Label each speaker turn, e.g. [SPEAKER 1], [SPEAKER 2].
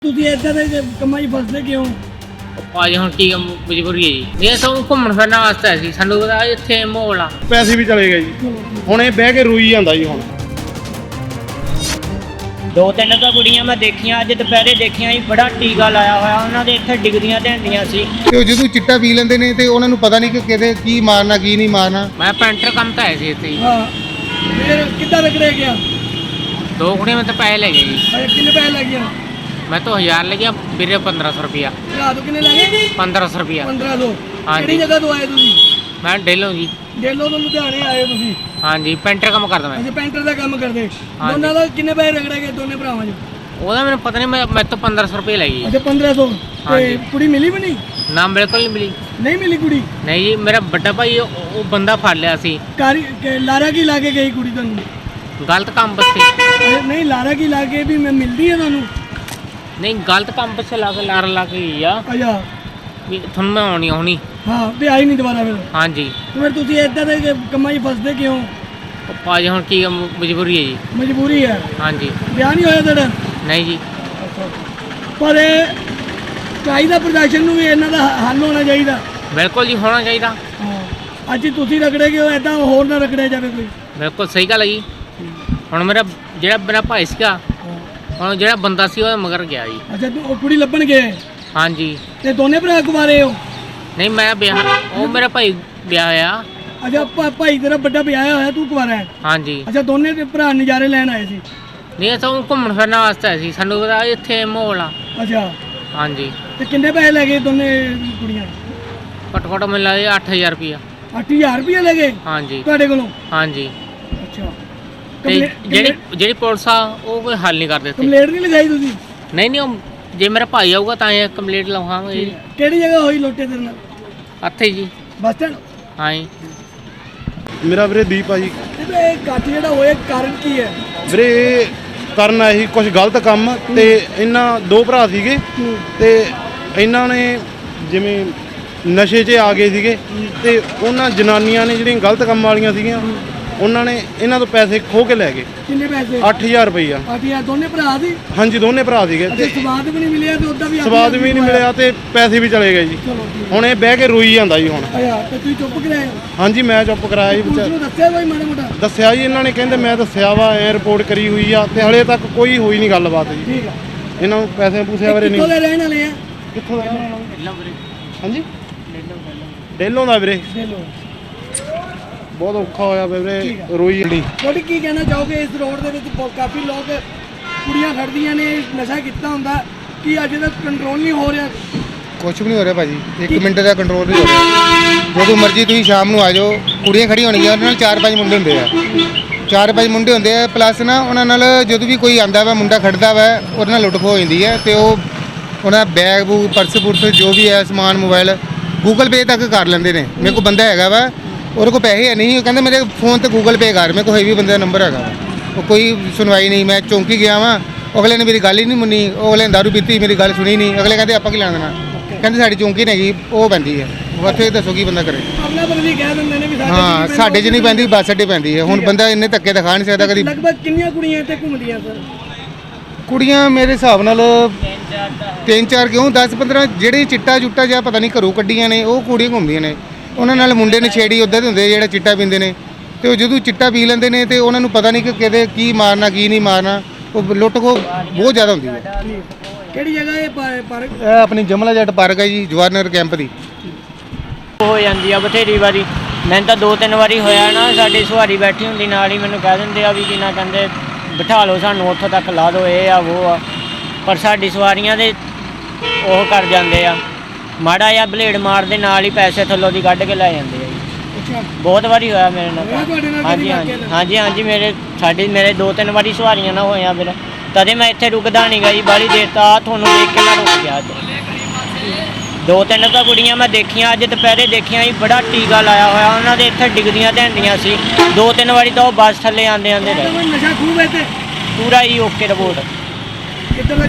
[SPEAKER 1] ਤੁਸੀਂ ਇੱਦਾਂ ਦੇ ਕੰਮਾਂ 'ਚ ਫਸਦੇ ਕਿਉਂ?
[SPEAKER 2] ਭਾਜੀ ਹੁਣ ਕੀ ਮਜਬੂਰੀ ਹੈ ਜੀ। ਇਹ ਸਭ ਘੁੰਮਣ ਫਿਰਨ ਵਾਸਤੇ ਸੀ, ਸਾਨੂੰ ਪਤਾ ਇੱਥੇ ਮਾਹੌਲ ਆ।
[SPEAKER 3] ਪੈਸੇ ਵੀ ਚਲੇ ਗਏ ਜੀ। ਹੁਣ ਇਹ ਬਹਿ ਕੇ ਰੋਈ ਜਾਂਦਾ ਜੀ। ਹੁਣ
[SPEAKER 4] ਦੋ ਤਿੰਨ ਤਾਂ ਕੁੜੀਆਂ ਮੈਂ ਦੇਖੀਆਂ, ਅੱਜ ਦੁਪਹਿਰੇ ਦੇਖੀਆਂ ਜੀ, ਬੜਾ ਟੀਕਾ ਲਾਇਆ ਹੋਇਆ ਉਹਨਾਂ ਦੇ, ਇੱਥੇ ਡਿੱਗਦੀਆਂ ਢਹਿੰਦੀਆਂ ਸੀ।
[SPEAKER 5] ਤੇ ਉਹ ਜਦੋਂ ਚਿੱਟਾ ਪੀ ਲੈਂਦੇ ਨੇ ਤੇ ਉਹਨਾਂ ਨੂੰ ਪਤਾ ਨਹੀਂ ਕਿ ਕਿਹਦੇ ਕੀ ਮਾਰਨਾ ਕੀ ਨਹੀਂ ਮਾਰਨਾ।
[SPEAKER 2] ਮੈਂ ਪੈਂਟਰ ਕੰਮ ਤਾਂ ਆਇਆ ਸੀ ਇੱਥੇ ਜੀ।
[SPEAKER 1] ਹਾਂ ਫਿਰ ਕਿੱਦਾਂ ਰਗੜੇ ਗਿਆ?
[SPEAKER 2] ਦੋ ਕੁੜੀਆਂ ਮੈਂ ਤਾਂ ਪੈਸੇ ਲੈ ਗਏ ਜੀ।
[SPEAKER 1] ਕਿੰਨੇ ਪੈਸੇ ਲੱਗ ਗਿਆ?
[SPEAKER 2] ਮੈਂ ਤਾਂ 1000 ਲੈ ਗਿਆ, ਵੀਰੇ 1500 ਰੁਪਿਆ।
[SPEAKER 1] ਰਾਤ ਨੂੰ ਕਿੰਨੇ ਲੱਗੇ?
[SPEAKER 2] 1500 ਰੁਪਿਆ।
[SPEAKER 1] 1500।
[SPEAKER 2] ਹਾਂਜੀ।
[SPEAKER 1] ਕਿਹੜੀ ਜਗ੍ਹਾ ਤੋਂ ਆਏ ਤੁਸੀਂ?
[SPEAKER 2] ਮੈਂ ਡੇਲੋਂ ਜੀ।
[SPEAKER 1] ਡੇਲੋ ਤੋਂ ਲੁਧਿਆਣੇ ਆਏ ਤੁਸੀਂ?
[SPEAKER 2] ਹਾਂਜੀ, ਪੈਂਟਰ ਕੰਮ ਕਰਦਾ ਮੈਂ।
[SPEAKER 1] ਅੱਛਾ ਪੈਂਟਰ ਦਾ ਕੰਮ ਕਰਦੇ।
[SPEAKER 2] ਹਾਂਜੀ।
[SPEAKER 1] ਦੋਨਾਂ ਦਾ ਕਿੰਨੇ ਪੈਸੇ ਰਗੜੇ ਗਏ ਦੋਨੇ ਭਰਾਵਾਂ 'ਚ?
[SPEAKER 2] ਉਹਦਾ ਮੈਨੂੰ ਪਤਾ ਨਹੀਂ, ਮੈਂ ਤਾਂ 1500 ਰੁਪਏ ਲੈ ਗਈ।
[SPEAKER 1] ਅੱਛਾ 1500। ਤੇ
[SPEAKER 2] ਹਾਂਜੀ।
[SPEAKER 1] ਕੁੜੀ ਮਿਲੀ ਵੀ ਨਹੀਂ?
[SPEAKER 2] ਨਾ ਬਿਲਕੁਲ ਨਹੀਂ ਮਿਲੀ।
[SPEAKER 1] ਨਹੀਂ ਮਿਲੀ ਕੁੜੀ?
[SPEAKER 2] ਨਹੀਂ ਜੀ, ਮੇਰਾ ਵੱਡਾ ਭਾਈ ਉਹ ਬੰਦਾ ਫੜ ਲਿਆ ਸੀ।
[SPEAKER 1] ਲਾਰਾ ਕੀ ਲਾ ਕੇ ਗਈ ਕੁੜੀ ਤੁਹਾਨੂੰ?
[SPEAKER 2] ਗਲਤ ਕੰਮ ਪਿੱਛੇ।
[SPEAKER 1] ਨਹੀਂ ਲਾਰਾ ਕੀ ਲਾ ਕੇ ਵੀ ਮੈਂ ਮਿਲਦੀ ਹੈ ਤੁਹਾਨੂੰ?
[SPEAKER 2] ਨਹੀਂ, ਗਲਤ ਕੰਮ ਪਿੱਛੇ ਲਾ ਕੇ ਲਾ ਕੇ ਗਈ ਆ
[SPEAKER 1] ਅੱਛਾ
[SPEAKER 2] ਵੀ ਤੁਹਾਨੂੰ ਮੈਂ ਆਉਣੀ।
[SPEAKER 1] ਹਾਂ ਵੀ ਆਈ ਨਹੀਂ ਦੁਬਾਰਾ ਫਿਰ?
[SPEAKER 2] ਹਾਂਜੀ।
[SPEAKER 1] ਤੇ ਫਿਰ ਤੁਸੀਂ ਇੱਦਾਂ ਦੇ ਕੰਮਾਂ 'ਚ ਫਸਦੇ ਕਿਉਂ?
[SPEAKER 2] ਭਾਜੀ ਹੁਣ ਕੀ ਮਜਬੂਰੀ ਹੈ ਜੀ।
[SPEAKER 1] ਮਜਬੂਰੀ ਹੈ।
[SPEAKER 2] ਹਾਂਜੀ।
[SPEAKER 1] ਵਿਆਹ ਨਹੀਂ ਹੋਇਆ ਤੁਹਾਡਾ?
[SPEAKER 2] ਨਹੀਂ ਜੀ।
[SPEAKER 1] ਪਰ ਚਾਹੀਦਾ ਪ੍ਰਦਰਸ਼ਨ ਨੂੰ ਵੀ ਇਹਨਾਂ ਦਾ ਹੱਲ ਹੋਣਾ ਚਾਹੀਦਾ।
[SPEAKER 2] ਬਿਲਕੁਲ ਜੀ, ਹੋਣਾ ਚਾਹੀਦਾ।
[SPEAKER 1] ਹਾਂ ਅੱਜ ਤੁਸੀਂ ਰਗੜੇ ਗਏ ਹੋ, ਐਦਾਂ ਹੋਰ ਨਾ ਰਗੜਿਆ ਜਾਵੇ ਕੋਈ।
[SPEAKER 2] ਬਿਲਕੁਲ ਸਹੀ ਗੱਲ ਹੈ ਜੀ। ਹੁਣ ਜਿਹੜਾ ਮੇਰਾ ਭਾਈ ਸੀਗਾ, ਹੁਣ ਜਿਹੜਾ ਬੰਦਾ ਸੀ ਉਹ ਮਗਰ ਗਿਆ ਜੀ।
[SPEAKER 1] ਅੱਛਾ ਉਹ ਕੁੜੀ ਲੱਭਣ ਗਏ?
[SPEAKER 2] ਹਾਂਜੀ।
[SPEAKER 1] ਤੇ ਦੋਨੇ ਭਰਾ ਕੁਵਾਰੇ ਹੋ?
[SPEAKER 2] ਨਹੀਂ, ਮੈਂ ਵਿਆਹ, ਉਹ ਮੇਰਾ ਭਾਈ ਵਿਆਹ ਹੋਇਆ।
[SPEAKER 1] ਅੱਛਾ ਭਾਈ ਤੇਰਾ ਵੱਡਾ ਵਿਆਹਿਆ ਹੋਇਆ, ਤੂੰ ਕੁਵਾਰਾ ਹੈ?
[SPEAKER 2] ਹਾਂਜੀ।
[SPEAKER 1] ਅੱਛਾ ਦੋਨੇ ਭਰਾ ਨਜ਼ਾਰੇ ਲੈਣ ਆਏ ਸੀ?
[SPEAKER 2] ਨਹੀਂ, ਇਹ ਸਭ ਘੁੰਮਣ ਫਿਰਨ ਵਾਸਤੇ ਸੀ, ਸਾਨੂੰ ਪਤਾ ਇੱਥੇ ਮਾਹੌਲ ਆ।
[SPEAKER 1] ਅੱਛਾ
[SPEAKER 2] ਹਾਂਜੀ।
[SPEAKER 1] ਤੇ ਕਿੰਨੇ ਪੈਸੇ ਲੈ ਗਏ ਦੋਨੇ ਕੁੜੀਆਂ?
[SPEAKER 2] ਘੱਟੋ ਘੱਟ ਮੈਨੂੰ ਲੱਗਦਾ 8000 ਰੁਪਇਆ।
[SPEAKER 1] 8000 ਰੁਪਏ ਲੈ ਗਏ
[SPEAKER 2] ਹਾਂਜੀ।
[SPEAKER 1] ਤੁਹਾਡੇ ਕੋਲੋਂ?
[SPEAKER 2] ਹਾਂਜੀ।
[SPEAKER 1] ਅੱਛਾ
[SPEAKER 2] ਤੇ ਜਿਹੜੀ ਪੁਲਿਸ ਆ ਉਹ ਕੋਈ ਹੱਲ ਨਹੀਂ ਕਰਦੇ ਇੱਥੇ।
[SPEAKER 1] ਕੰਪਲੇਂਟ ਨਹੀਂ ਲਗਾਈ ਤੁਸੀਂ?
[SPEAKER 2] ਨਹੀਂ, ਉਹ ਜੇ ਮੇਰਾ ਭਾਈ ਆਊਗਾ ਤਾਂ ਇਹ ਕੰਪਲੀਟ ਲਵਾਵਾਂਗੇ ਜੀ।
[SPEAKER 1] ਕਿਹੜੀ ਜਗ੍ਹਾ ਹੋਈ ਲੋਟੇ ਤੇਰੇ ਨਾਲ?
[SPEAKER 2] ਇੱਥੇ ਜੀ।
[SPEAKER 1] Bus stand?
[SPEAKER 2] ਹਾਂ ਜੀ।
[SPEAKER 3] ਮੇਰਾ ਵੀਰੇ ਦੀਪ ਆ ਜੀ।
[SPEAKER 1] ਇਹ ਕੱਟ ਜਿਹੜਾ ਹੋਇਆ ਕਾਰਨ ਕੀ ਹੈ?
[SPEAKER 3] ਵੀਰੇ ਇਹ ਕਰਨ ਆਏ ਸੀ ਕੁਝ ਗਲਤ ਕੰਮ, ਤੇ ਇਹਨਾਂ ਦੋ ਭਰਾ ਸੀਗੇ ਤੇ ਇਹਨਾਂ ਨੇ ਜਿਵੇਂ ਨਸ਼ੇ 'ਚ ਆ ਗਏ ਸੀਗੇ, ਤੇ ਉਹਨਾਂ ਜਨਾਨੀਆਂ ਨੇ ਜਿਹੜੀਆਂ ਗਲਤ ਕੰਮ ਵਾਲੀਆਂ ਸੀਗੀਆਂ, ਉਹਨਾਂ ਨੇ ਇਹਨਾਂ ਤੋਂ ਪੈਸੇ ਖੋਹ ਕੇ ਲੈ ਗਏ।
[SPEAKER 1] ਕਿੰਨੇ ਪੈਸੇ?
[SPEAKER 3] 8000 ਰੁਪਈਆ।
[SPEAKER 1] 8000 ਦੋਨੇ ਭਰਾ ਸੀ?
[SPEAKER 3] ਹਾਂਜੀ, ਦੋਨੇ ਭਰਾ ਸੀਗੇ।
[SPEAKER 1] ਤੇ
[SPEAKER 3] ਤੇ
[SPEAKER 1] ਸਵਾਦ ਵੀ ਨਹੀਂ ਮਿਲਿਆ ਤੇ ਉਦਾਂ ਵੀ
[SPEAKER 3] ਸਵਾਦ ਵੀ ਨਹੀਂ ਮਿਲਿਆ ਤੇ ਪੈਸੇ ਵੀ ਚਲੇ ਗਏ ਜੀ।
[SPEAKER 1] ਚਲੋ ਠੀਕ।
[SPEAKER 3] ਹੁਣ ਇਹ ਬਹਿ ਕੇ ਰੋਈ ਜਾਂਦਾ ਜੀ। ਹੁਣ
[SPEAKER 1] ਅੱਛਾ ਤੇ ਤੁਸੀਂ ਚੁੱਪ ਕਰਾਏ?
[SPEAKER 3] ਹਾਂਜੀ, ਮੈਂ ਚੁੱਪ ਕਰਾਇਆ ਜੀ।
[SPEAKER 1] ਪੁਲਿਸ ਨੂੰ ਦੱਸਿਆ ਕੋਈ ਮਾੜਾ ਮੋਟਾ?
[SPEAKER 3] ਦੱਸਿਆ ਜੀ, ਇਹਨਾਂ ਨੇ ਕਹਿੰਦੇ ਮੈਂ ਦੱਸਿਆ ਵਾ, ਐ ਰਿਪੋਰਟ ਕਰੀ ਹੋਈ ਆ, ਤੇ ਹਲੇ ਤੱਕ ਕੋਈ ਹੋਈ ਨਹੀਂ ਗੱਲਬਾਤ ਜੀ।
[SPEAKER 1] ਠੀਕ ਆ।
[SPEAKER 3] ਇਹਨਾਂ ਨੂੰ ਪੈਸੇ ਪੂਸੇ ਬਾਰੇ
[SPEAKER 1] ਕਿੱਥੋਂ
[SPEAKER 3] ਨਹੀਂ।
[SPEAKER 1] ਦੇ ਰਹਿਣ ਵਾਲੇ ਆ?
[SPEAKER 3] ਕਿੱਥੋਂ ਦਾ? ਹਾਂਜੀ, ਡੇਲੋਂ ਦਾ ਵੀਰੇ।
[SPEAKER 1] ਦੇ ਲੋ।
[SPEAKER 3] ਬਹੁਤ ਔਖਾ ਹੋਇਆ ਵੀਰੇ, ਰੋਈ ਜਾਂਦੀ।
[SPEAKER 1] ਤੁਹਾਡੀ ਕੀ ਕਹਿਣਾ ਚਾਹੋਗੇ? ਇਸ ਰੋਡ ਦੇ ਵਿੱਚ ਕਾਫੀ ਲੋਕ ਕੁੜੀਆਂ ਖੜਦੀਆਂ ਨੇ, ਨਸ਼ਾ ਕੀਤਾ ਹੁੰਦਾ, ਕੀ ਅਜੇ ਤੱਕ ਕੰਟਰੋਲ ਨਹੀਂ ਹੋ ਰਿਹਾ?
[SPEAKER 5] ਕੁਝ ਵੀ ਨਹੀਂ ਹੋ ਰਿਹਾ ਭਾਜੀ, 1 ਮਿੰਟ ਦਾ ਕੰਟਰੋਲ ਨਹੀਂ ਹੋ ਰਿਹਾ। ਜਦੋਂ ਮਰਜ਼ੀ ਤੁਸੀਂ ਸ਼ਾਮ ਨੂੰ ਆ ਜਾਓ, ਕੁੜੀਆਂ ਖੜੀਆਂ ਹੋਣਗੀਆਂ, ਉਹਨਾਂ ਨਾਲ 4-5 ਮੁੰਡੇ ਹੁੰਦੇ ਆ। 4-5 ਮੁੰਡੇ ਹੁੰਦੇ ਆ, ਪਲੱਸ ਨਾ ਉਹਨਾਂ ਨਾਲ ਜਦੋਂ ਵੀ ਕੋਈ ਆਂਦਾ ਵਾ, ਮੁੰਡਾ ਖੜਦਾ ਵਾ, ਉਹਦੇ ਨਾਲ ਲੁੱਟ ਖੋਹ ਹੋ ਜਾਂਦੀ ਹੈ। ਤੇ ਉਹ ਉਹਨਾਂ ਦਾ ਬੈਗ ਬੂਗ, ਪਰਸ ਪੁਰਸ ਜੋ ਵੀ ਹੈ ਸਮਾਨ, ਮੋਬਾਈਲ, ਗੂਗਲ ਪੇ ਤੱਕ ਕਰ ਲੈਂਦੇ ਨੇ। ਮੇਰੇ ਕੋਲ ਬੰਦਾ ਹੈਗਾ ਵਾ, ਉਹਦੇ ਕੋਲ ਪੈਸੇ ਹੈ ਨਹੀਂ, ਉਹ ਕਹਿੰਦਾ ਮੇਰੇ ਫੋਨ ਤੇ ਗੂਗਲ ਪੇ ਕਰ। ਮੇਰੇ ਕੋਲ ਹੈਵੀ ਬੰਦੇ ਦਾ ਨੰਬਰ ਹੈਗਾ ਵਾ। ਉਹ ਕੋਈ ਸੁਣਵਾਈ ਨਹੀਂ। ਮੈਂ ਚੌਂਕੀ ਗਿਆ ਵਾਂ, ਅਗਲੇ ਨੇ ਮੇਰੀ ਗੱਲ ਹੀ ਨਹੀਂ ਮੰਨੀ। ਉਹ ਅਗਲੇ ਨੇ ਦਾਰੂ ਪੀਤੀ, ਮੇਰੀ ਗੱਲ ਸੁਣੀ ਨਹੀਂ। ਅਗਲੇ ਕਹਿੰਦੇ ਆਪਾਂ ਕੀ ਲੈਣਾ ਦੇਣਾ, ਕਹਿੰਦੇ ਸਾਡੀ ਚੌਂਕੀ ਨਹੀਂ ਹੈਗੀ, ਉਹ ਪੈਂਦੀ ਹੈ ਉੱਥੇ। ਦੱਸੋ ਕੀ ਬੰਦਾ ਕਰੇ?
[SPEAKER 1] ਆਪਣਾ ਬਦਲੀ ਕਹਿ ਦਿੰਦੇ ਨੇ ਵੀ ਸਾਡੇ
[SPEAKER 5] ਹਾਂ, ਸਾਡੇ 'ਚ ਨਹੀਂ ਪੈਂਦੀ, ਬੱਸ ਅੱਡੇ ਪੈਂਦੀ ਹੈ। ਹੁਣ ਬੰਦਾ ਇੰਨੇ ਧੱਕੇ ਦਿਖਾ ਨਹੀਂ ਸਕਦਾ ਕਦੀ।
[SPEAKER 1] ਲਗਭਗ ਕਿੰਨੀਆਂ ਕੁੜੀਆਂ ਇੱਥੇ ਘੁੰਮਦੀਆਂ ਸਰ?
[SPEAKER 5] ਕੁੜੀਆਂ ਮੇਰੇ ਹਿਸਾਬ ਨਾਲ 3-4 ਕਿਉਂ 10-15 ਜਿਹੜੇ ਚਿੱਟਾ ਚੁੱਟਾ ਜਾਂ ਪਤਾ ਨਹੀਂ ਘਰੋਂ ਕੱਢੀਆਂ ਨੇ, ਉਹ ਕੁੜੀਆਂ ਘੁੰਮਦੀਆਂ ਨੇ। ਉਹਨਾਂ ਨਾਲ ਮੁੰਡੇ ਨਸ਼ੇੜੀ ਉੱਦਾਂ ਦੇ ਹੁੰਦੇ ਜਿਹੜਾ ਚਿੱਟਾ ਪੀਂਦੇ ਨੇ, ਤੇ ਉਹ ਜਦੋਂ ਚਿੱਟਾ ਪੀ ਲੈਂਦੇ ਨੇ ਤੇ ਉਹਨਾਂ ਨੂੰ ਪਤਾ ਨਹੀਂ ਕਿ ਕਿਹਦੇ ਕੀ ਮਾਰਨਾ ਕੀ ਨਹੀਂ ਮਾਰਨਾ। ਉਹ ਲੁੱਟ ਖੋਹ ਬਹੁਤ ਜ਼ਿਆਦਾ ਹੁੰਦੀ ਹੈ।
[SPEAKER 1] ਕਿਹੜੀ ਜਗ੍ਹਾ ਇਹ ਪਾਰਕ?
[SPEAKER 5] ਇਹ ਆਪਣੀ ਜਮਲਾ ਜੱਟ ਪਾਰਕ ਹੈ ਜੀ, ਜਵਾਹਰ ਕੈਂਪ ਦੀ।
[SPEAKER 4] ਹੋ ਜਾਂਦੀ ਆ ਬਥੇਰੀ ਵਾਰੀ। ਮੈਨੂੰ ਤਾਂ 2-3 ਵਾਰੀ ਹੋਇਆ ਨਾ, ਸਾਡੀ ਸਵਾਰੀ ਬੈਠੀ ਹੁੰਦੀ ਨਾਲ ਹੀ ਮੈਨੂੰ ਕਹਿ ਦਿੰਦੇ ਆ ਵੀ ਕੀ ਨਾ, ਕਹਿੰਦੇ ਬਿਠਾ ਲਓ ਸਾਨੂੰ, ਉੱਥੋਂ ਤੱਕ ਲਾ ਦਿਓ, ਇਹ ਆ ਉਹ ਆ। ਪਰ ਸਾਡੀ ਸਵਾਰੀਆਂ ਦੇ ਉਹ ਕਰ ਜਾਂਦੇ ਆ, ਮਾੜਾ ਜਿਹਾ ਬਲੇਡ ਮਾਰ ਦੇ ਨਾਲ ਹੀ ਪੈਸੇ ਥੱਲੋਂ ਦੀ ਕੱਢ ਕੇ ਲੈ ਜਾਂਦੇ ਆ ਜੀ।
[SPEAKER 1] ਅੱਛਾ
[SPEAKER 4] ਬਹੁਤ ਵਾਰੀ ਹੋਇਆ ਮੇਰੇ ਨਾਲ।
[SPEAKER 1] ਤੁਹਾਡੇ ਨਾਲ
[SPEAKER 4] ਹਾਂਜੀ
[SPEAKER 1] ਕਦੀ
[SPEAKER 4] ਹਾਂਜੀ
[SPEAKER 1] ਵਾਕਿਆ?
[SPEAKER 4] ਹਾਂਜੀ ਮੇਰੇ 2-3 ਵਾਰੀ ਸਵਾਰੀਆਂ ਨਾ ਹੋਈਆਂ ਫਿਰ। ਤਦੇ ਮੈਂ ਇੱਥੇ ਰੁਕਦਾ ਨਹੀਂ ਗਾ ਜੀ ਬਾਹਲੀ ਦੇਰ। ਤਾਂ ਤੁਹਾਨੂੰ ਦੇਖ ਕੇ ਮੈਂ ਰੁਕ ਗਿਆ। ਦੋ ਤਿੰਨ ਤਾਂ ਕੁੜੀਆਂ ਮੈਂ ਦੇਖੀਆਂ, ਅੱਜ ਦੁਪਹਿਰੇ ਦੇਖੀਆਂ ਜੀ, ਬੜਾ ਟੀਕਾ ਲਾਇਆ ਹੋਇਆ ਉਹਨਾਂ ਦੇ, ਇੱਥੇ ਡਿੱਗਦੀਆਂ ਢਹਿੰਦੀਆਂ ਸੀ। 2-3 ਵਾਰੀ ਤਾਂ ਉਹ ਬੱਸ ਥੱਲੇ ਆਂਦੇ ਰਹੇ।
[SPEAKER 1] ਨਸ਼ਾ ਖੂਬ ਹੈ ਤੇ
[SPEAKER 4] ਪੂਰਾ ਹੀ ਓਕੇ ਰਿਪੋਰਟ।
[SPEAKER 1] ਕਿੱਧਰ ਦਾ